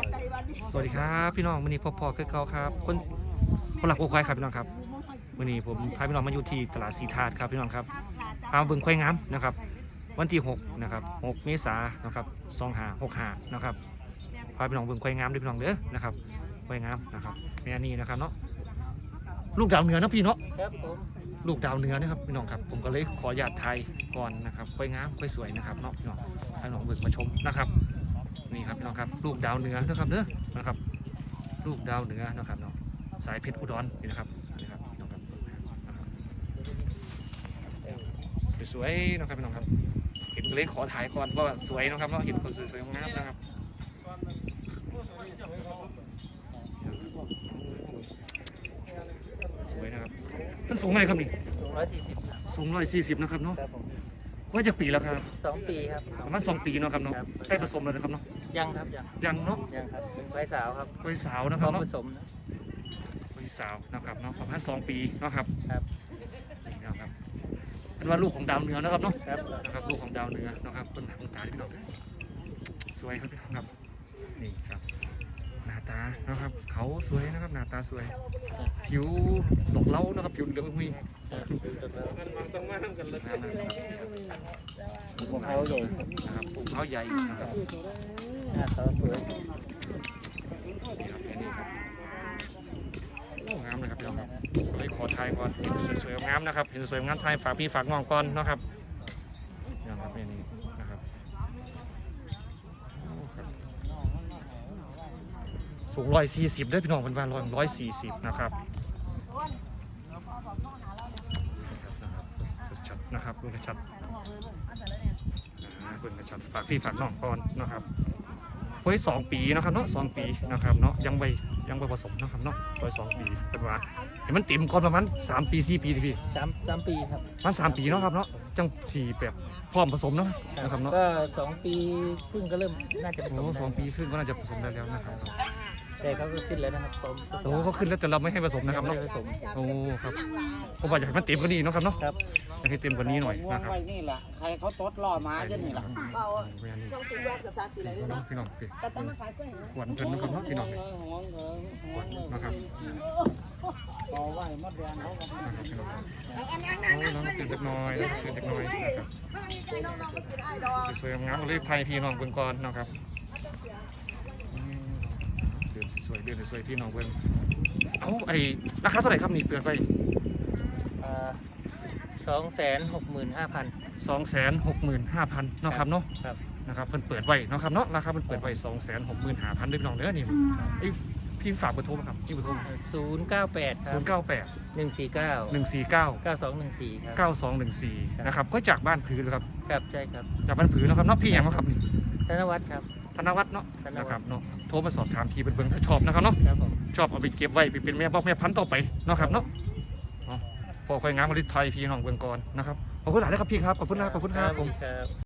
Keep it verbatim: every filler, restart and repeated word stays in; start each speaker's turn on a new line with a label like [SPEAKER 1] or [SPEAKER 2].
[SPEAKER 1] สวัสดีครับพี่น้องวันนี้พบพอคือเขาครับคนคนหลักโอ้ควายครับพี่น้องครับวันนี้ผมพาพี่น้องมาอยู่ที่ตลาดสีธาตุครับพี่น้องครับพามาเบิ่งควายงามนะครับวันที่หกนะครับหกเมษายนนะครับสองห้าหกห้านะครับพาพี่น้องเบิ่งควายงามด้วยพี่น้องเด้อนะครับควายงามนะครับแม่นี่นะครับเนาะลูกดาวเหนือนะพี่เนาะ
[SPEAKER 2] ครับผม
[SPEAKER 1] ลูกดาวเหนือนะครับพี่น้องครับผมก็เลยขออนุญาตไทยก่อนนะครับควายงามควายสวยนะครับเนาะพี่น้องให้น้องเบิ่งมาชมนะครับนี่ครับพี่น้องครับลูกดาวเหนือนะครับเด้อนะครับลูกดาวเหนือนะครับเนาะสายเพชรอุดรนี่นะครับนี่ครับพี่น้องครับสวยๆนะครับพี่น้องครับเห็นเลยขอถ่ายก่อนว่าสวยนะครับเนาะเห็นคนสวยๆงามนะครับสวยนะครับมันสูงเท่าไหร่ครับนี่
[SPEAKER 2] สูงร้อยสี่สิบ
[SPEAKER 1] สูงร้อยสี่สิบนะครับเนาะ
[SPEAKER 2] ครับผม
[SPEAKER 1] ว่าจะปีแล้วครับ
[SPEAKER 2] สองปีครับ
[SPEAKER 1] ประมาณสองปีเนาะครับเนาะ
[SPEAKER 2] ครับ
[SPEAKER 1] ใกล้ผสมแล้วนะครับเนาะ
[SPEAKER 2] ยังครับยัง
[SPEAKER 1] ยังเนาะ
[SPEAKER 2] ยังครับเป็นควายสาวครับ
[SPEAKER 1] วัยสาวนะ
[SPEAKER 2] พ
[SPEAKER 1] ค
[SPEAKER 2] ร้
[SPEAKER 1] รั
[SPEAKER 2] อบ ม
[SPEAKER 1] เนาะ
[SPEAKER 2] ผสมนะ
[SPEAKER 1] วัยสาวนะครับเนาะประมาณสองปีเนาะครับ
[SPEAKER 2] ครับ
[SPEAKER 1] นี่นะครับเป็นว่าลูกของดาวเหนือนะครับเนาะ
[SPEAKER 2] ครับ
[SPEAKER 1] นะครับลูกของดาวเหนือนะครับเป็นหางตาที่พี่น้องสวยครับพี่น้องครับนี่ครับหน้าตานะครับเขาสวยนะครับหน้าตาสวยผิวดอกเล้านะครับผิวเหลืองหุ้ย
[SPEAKER 2] ต้องมาทำกันเลย
[SPEAKER 1] นะครับ
[SPEAKER 2] พวกเขาใหญ่
[SPEAKER 1] นะครับปลูกเขาใหญ่นะครับ
[SPEAKER 2] หน้าตาสวย
[SPEAKER 1] นี่ครับแค่นี้ครับโอ้งามเลยครับพี่น้องครับเลยขอทายก่อนเห็นสวยๆงามนะครับเห็นสวยงามไทยฝากพี่ฝากน้องก่อนนะครับนี่ครับแค่นี้นะครับโอ้ครับสูงร้อยสี่สิบได้พี่น้องเป็นวันร้อยร้อยสี่สิบนะครับชัดนะครับดูชัดคุณชัดฝากพี่ฝากน้องก่อนนะครับไว้สองปีนะครับเนาะสองปีนะครับเนาะยังไปยังไปผสมนะครับเนาะไว้สองปีเป็นว่าเห็นมันติ่มก่อนประมาณสามปีสี่ปีทีพี่
[SPEAKER 2] สามสามปีครับ
[SPEAKER 1] มันสามปีเนาะครับเนาะจังสี่แบบพร้อมผสมเนาะนะครับเนาะ
[SPEAKER 2] ก็สองปีครึ่งก็เริ่มน่าจะผสม
[SPEAKER 1] โอ้
[SPEAKER 2] ได้
[SPEAKER 1] สองปีครึ่งก็น่าจะผสมได้แล้วนะครับ
[SPEAKER 2] แต่เขาก็ขึ้นแล้วนะครับผมผสม
[SPEAKER 1] โอ้เขาขึ้นแล้วแต่เราไม่ให้ผสมนะครับ
[SPEAKER 2] ไม่
[SPEAKER 1] เนาะ
[SPEAKER 2] ได้ผสม
[SPEAKER 1] โอ้ครับผมว่าอยากให้มันเต็มกว่านี้เนาะครับเนาะ
[SPEAKER 2] ครับ
[SPEAKER 1] อยากให้เต็มกว่านี้หน่อย
[SPEAKER 3] ว
[SPEAKER 1] นะ
[SPEAKER 3] ง
[SPEAKER 1] ครับ
[SPEAKER 3] ไว้นี่แหละใครเขาตดล่อมาจะนี่แหละ
[SPEAKER 1] เบาต้องตีรอบกับซาสีอะไรด้วยเนาะพี่น้องพี่แต่ต้องมาขายเพื่อนขวัญเพิ่นนะครับเนาะพี่น้องขวัญนะครับ
[SPEAKER 3] ต่อไว้มดแดงเขาก็
[SPEAKER 1] นะครับพี่น้องโอ้น้องตื่นเล็กน้อยตื่นเล็กน้อยนะครับสวยงามเลยไทยพี่น้องเบิ่งก่อนนะครับเดือนสวยเดือนสวยพี่น้องเบิ่งเอาไอ้ราคาเท่าไหร่ครับนี่เปลี่ยนไป
[SPEAKER 2] สองแสนหกหมื่นห้าพัน
[SPEAKER 1] สองแสนหกหมื่นห้าพันเนาะครับเนาะ
[SPEAKER 2] ครับ
[SPEAKER 1] นะครับเพิ่นเปิดไว้เนาะครับเนาะราคาเพิ่นเปิดไว้สองแสนหกหมื่นห้าพันด้วยพี่น้องเด้อนี่ไอ้พี่ฝากเบอร์โทรมาครับพี่เบอร์โทร
[SPEAKER 2] ศูนย์เก้าแปดครั
[SPEAKER 1] ศู
[SPEAKER 2] บ
[SPEAKER 1] นย์เก้าแปด
[SPEAKER 2] หนึ่งสี่เก้า
[SPEAKER 1] หนึ่งสี่เก้า
[SPEAKER 2] เก้าสองหนึ่งสี่ครับ
[SPEAKER 1] เก้าสองหนึ่งสี่นะครับก็จากบ้านผือเลยครับ
[SPEAKER 2] ครับใช่ครับ
[SPEAKER 1] จากบ้านผือเนาะครับเนาะพี่ยังเนาะครับนี่
[SPEAKER 2] ธนวัฒน์ครับ
[SPEAKER 1] ธนวัฒน์เนาะ
[SPEAKER 2] ธนวัฒน์
[SPEAKER 1] นะครับเนาะโทรมาสอบถามพี่เป็นเบิ่งถ้าชอบนะครับเนาะ
[SPEAKER 2] ครับผม
[SPEAKER 1] ชอบเอาไปเก็บไว้ไปเป็นแม่บอกแม่พันธุ์ต่อไปเนาะครับเนาะเนาะพอค่อยงามมาลิไทยพี่น้องเบิ่งก่อนนะครับขอบคุณหลายนะครับพี่ครับขอบคุณนะขอบคุณครับผม
[SPEAKER 2] ครับ